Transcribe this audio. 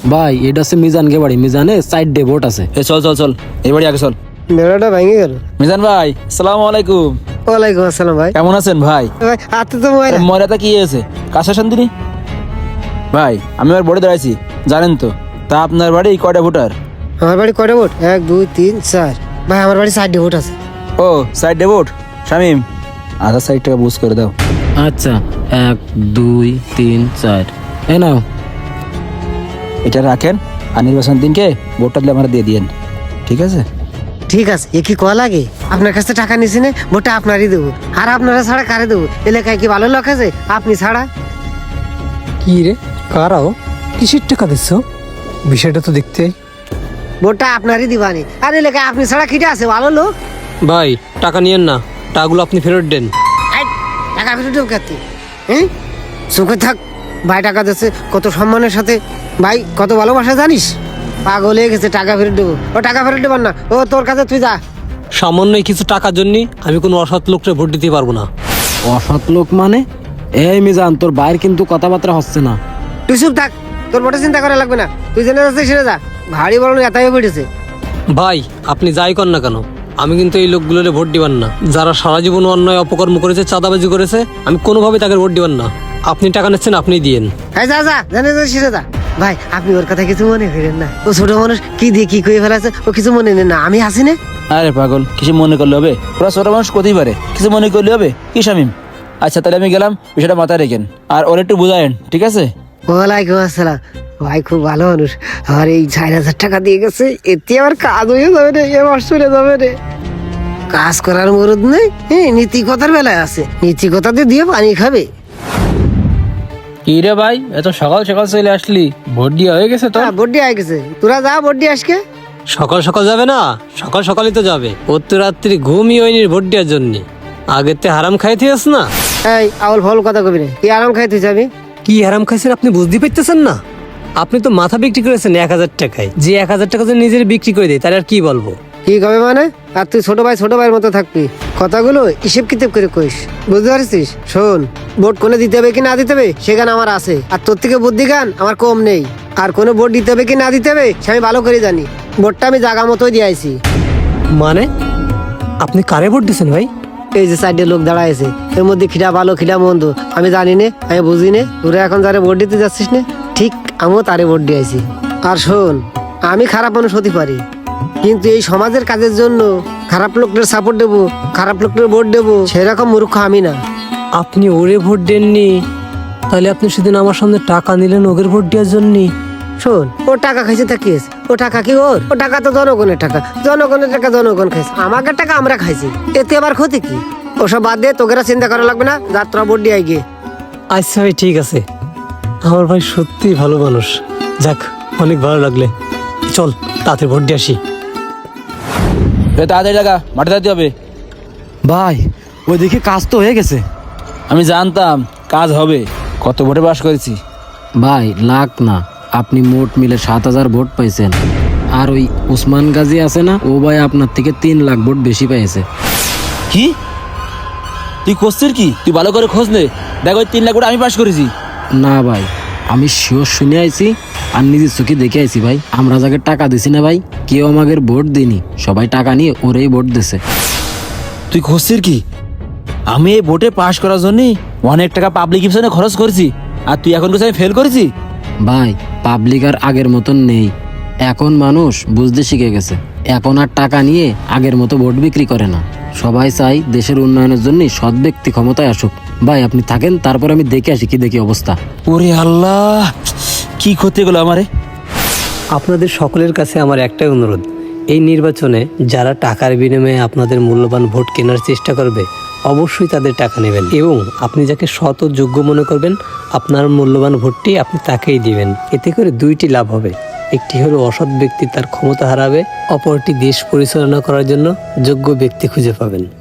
ভাই এটা হচ্ছে মিজানকে বাড়ি, মিজানে সাইড ডে ভোট আছে। চল চল চল, এই বাড়ি আগে চল। বেড়াটা ভেঙে গেল। মিজান ভাই, আসসালামু আলাইকুম। ওয়ালাইকুম আসসালাম ভাই। কেমন আছেন ভাই? ভাই হাতে তো ময়রা। ময়রাটা কি হয়েছে? কাছে শান্তিনি ভাই, আমি আর বোর্ডে দাঁড়াইছি জানেন তো। তা আপনার বাড়ি কয়টা ভোটার? আমার বাড়ি কয়টা ভোট? 1 2 3 4। ভাই আমার বাড়ি সাইড ভোট আছে। ও সাইড ডে ভোট। শামিম, আধা সাইড টাকা বুঝ করে দাও। আচ্ছা 1 2 3 4 এই নাও। এটা রাখেন, আর নির্বাচন দিনকে ভোটটা দিলে আমরা দিয়ে দিয়েন, ঠিক আছে? ঠিক আছে, এ কি কয়া লাগে? আপনার কাছে টাকা নিছি না, ভোটটা আপনারই দেবো। আর আপনারা ছাড়া কারে দেবো? এলাকায় কি ভালো লোক আছে আপনি ছাড়া? কি রে, কারাও কিসের টাকা দিচ্ছ? বিষয়টা তো দেখতে। ভোটটা আপনারই দিবানি। আর এলাকায় আপনি ছাড়া কিটা আছে ভালো লোক? ভাই টাকা নিয়েন না, টাকাগুলো আপনি ফেরত দেন। এই, টাকা ফেরত দেবো কাতে? হ্যাঁ, সুখে থাক। ভাই টাকা দিচ্ছে কত সম্মানের সাথে, ভাই কত ভালোবাসা জানিস? পাগল হয়ে গেছে, টাকা ফেরত দেবো। ও টাকা ফেরত দেবার না, ও তোর কাছে তুই যা। সামান্য কিছু টাকার জন্য আমি কোনো অসৎ লোককে ভোট দিতে পারবো না। অসৎ লোক মানে? এই মিজান, তোর বাইর কিন্তু কথাবার্তা হচ্ছে না। তুই চুপ থাক, তোর ভোটে চিন্তা করা লাগবে না। তুই জেনে যাচ্ছিস সেরে যা। ভারী বড় এত হয়ে পড়েছে। ভাই আপনি যাই কর না কেন, আমি কিন্তু এই লোকগুলোরে ভোট দিবেন না। যারা সারা জীবন অন্যায় অপকর্ম করেছে, চাঁদাবাজি করেছে, আমি কোনোভাবে তাকে ভোট দিবেন না। আপনি টাকা নিচ্ছেন, আপনি দিয়েন। হ্যাঁ যা যা, জেনে যাচ্ছিস সেরে যা। ভাই আপনি ওর কথা কিছু মনে করেন না। ও ছোট মানুষ, কি দিয়ে কি করে ফেলাছে ও কিছু মনে নেন না। আমি আসি না। আরে পাগল, কিছু মনে করলে হবে? ওরা ছোট মানুষ করতেই পারে, কিছু মনে করলে হবে কি শামিম? আচ্ছা তাহলে আমি গেলাম, বিষয়টা মাথায় রেখেন আর ওর একটু বুঝায়েন, ঠিক আছে? ওয়ালাইকুম আসসালাম। ভাই খুব ভালো মানুষ। আর এই 4,000 টাকা দিয়ে গেছে, এতে আবার কাজ হয়ে যাবে রে, এ মাস চলে যাবে রে। কাজ করার মরদ নেই, হ্যাঁ নীতিকতার বেলায় আছে। নীতিকতাতে দিয়ে পানি খাবে। কি রে ভাই, এত সকাল সকাল চলে আসলি? ভোট দিয়া হয়ে গেছে তো? হ্যাঁ ভোট দিয়ে গেছে। তোরা যা ভোট দিয়ে আজকে। সকাল সকাল যাবে না? সকাল সকালই তো যাবে। ওর তো রাত্রি ঘুমই হয়নি ভোট দেওয়ার জন্য। আগের তে হারাম খাইতে আস না। এই আউল ফাউল কথা কবি না, কি আরাম খাই তুই যাবি? কি হারাম খাইছেন আপনি বুঝতে পারতেছেন না? আপনি তো মাথা বিক্রি করেছেন 1,000 টাকায়। যে 1,000 টাকা যদি নিজের বিক্রি করে দেয় তাহলে আর কি বলবো? কি কবে মানে? আর তুই ছোট ভাইয়ের মতো থাকবি। কথাগুলো হিসেব কিতাব করে কইস, বুঝতে পারছিস? শোন, ভোট কোনে দিতে হবে কি না দিতে হবে সে গান আমার আছে, আর তোর থেকে বুদ্ধি গান আমার কম নেই। আর কোনো ভোট দিতে হবে কি না দিতে হবে সে আমি ভালো করে জানি। ভোটটা আমি জাগা মতোই দিয়ে আইছি। মানে আপনি কারে ভোট দিচ্ছেন ভাই? এই যে সাইডে লোক দাঁড়ায় আছে, এর মধ্যে খিটা ভালো খিটা মন্দ আমি জানি নে, আমি বুঝি নে। তোরা এখন যারে ভোট দিতে যাচ্ছিস না, ঠিক আমিও তারে ভোট দিয়ে আইছি। আর শোন, আমি খারাপ মানুষ হতে পারি, কিন্তু এই সমাজের কাজের জন্য খারাপ লোকদের সাপোর্ট দেবো, খারাপ লোকদের ভোট দেবো, সেরকম মূর্খ আমি না। আপনি ওরে ভোট দেননি, তাহলে আপনি সেদিন আমার সামনে টাকা নিলেন ওদের ভোট দেওয়ার জন্য। শোন, ও টাকা খাইছে তা কি আছে? ও টাকা কি ওর? ও টাকা তো জনগণের টাকা, জনগণের টাকা জনগণ খাইছে, আমাদের টাকা আমরা খাইছি, এতে আবার ক্ষতি কি? ওসব বাদ দিয়ে তোকেরা চিন্তা করা লাগবে না, যাত্রা ভোট দিয়ে গিয়ে। আচ্ছা ভাই ঠিক আছে, আমার ভাই সত্যি ভালো মানুষ। যাক, অনেক ভালো লাগলে। চল তাড়াতাড়ি ভোট দিয়ে আসি। তাড়াতাড়ি টাকা মাঠে দিতে হবে। ভাই ওইদিকে কাজ তো হয়ে গেছে। আমি জানতাম কাজ হবে, কত ভোটে পাস করেছি। ভাই লাখ না, আপনি মোট মিলে 7,000 ভোট পাইছেন। আর ওই উসমান গাজী আছে না, ও ভাই আপনার থেকে 3 লাখ ভোট বেশি পাইছে। কি তুই করছিস কি? তুই ভালো করে খোঁজ নে, দেখ ওই 3 লাখ ভোট আমি পাস করেছি। না ভাই, আমি শিওর শুনে আইছি আর নিজের চোখে দেখে আইছি ভাই। আমরা যাকে টাকা দিছি না ভাই, কেউ আমাদের ভোট দিনি, সবাই টাকা নিয়ে ওরেই ভোট দিছে। তুই খুঁজছিস কি? আমি এই ভোটে পাস করার জন্য অনেক টাকা পাবলিক ইপশনে খরচ করেছি, আর তুই এখন কিছু আমি ফেল করেছি? ভাই পাবলিক আর আগের মতন নেই, এখন মানুষ বুঝতে শিখে গেছে। এখন আর টাকা নিয়ে আগের মতো ভোট বিক্রি করে না। সবাই চাই দেশের উন্নয়নের জন্য সৎ ব্যক্তি ক্ষমতায় আসুক। ভাই আপনি থাকেন, তারপর আমি দেখে আসি কি দেখি অবস্থা। ওরে আল্লাহ, কি ক্ষতি গেলো আমারে। আপনাদের সকলের কাছে আমার একটাই অনুরোধ, এই নির্বাচনে যারা টাকার বিনিময়ে আপনাদের মূল্যবান ভোট কেনার চেষ্টা করবে, অবশ্যই তাদের টাকা নেবেন এবং আপনি যাকে সৎ ও যোগ্য মনে করবেন আপনার মূল্যবান ভোটটি আপনি তাকেই দিবেন। এতে করে দুইটি লাভ হবে, একটি হলো অসৎ ব্যক্তি তার ক্ষমতা হারাবে, অপরটি দেশ পরিচালনা করার জন্য যোগ্য ব্যক্তি খুঁজে পাবেন।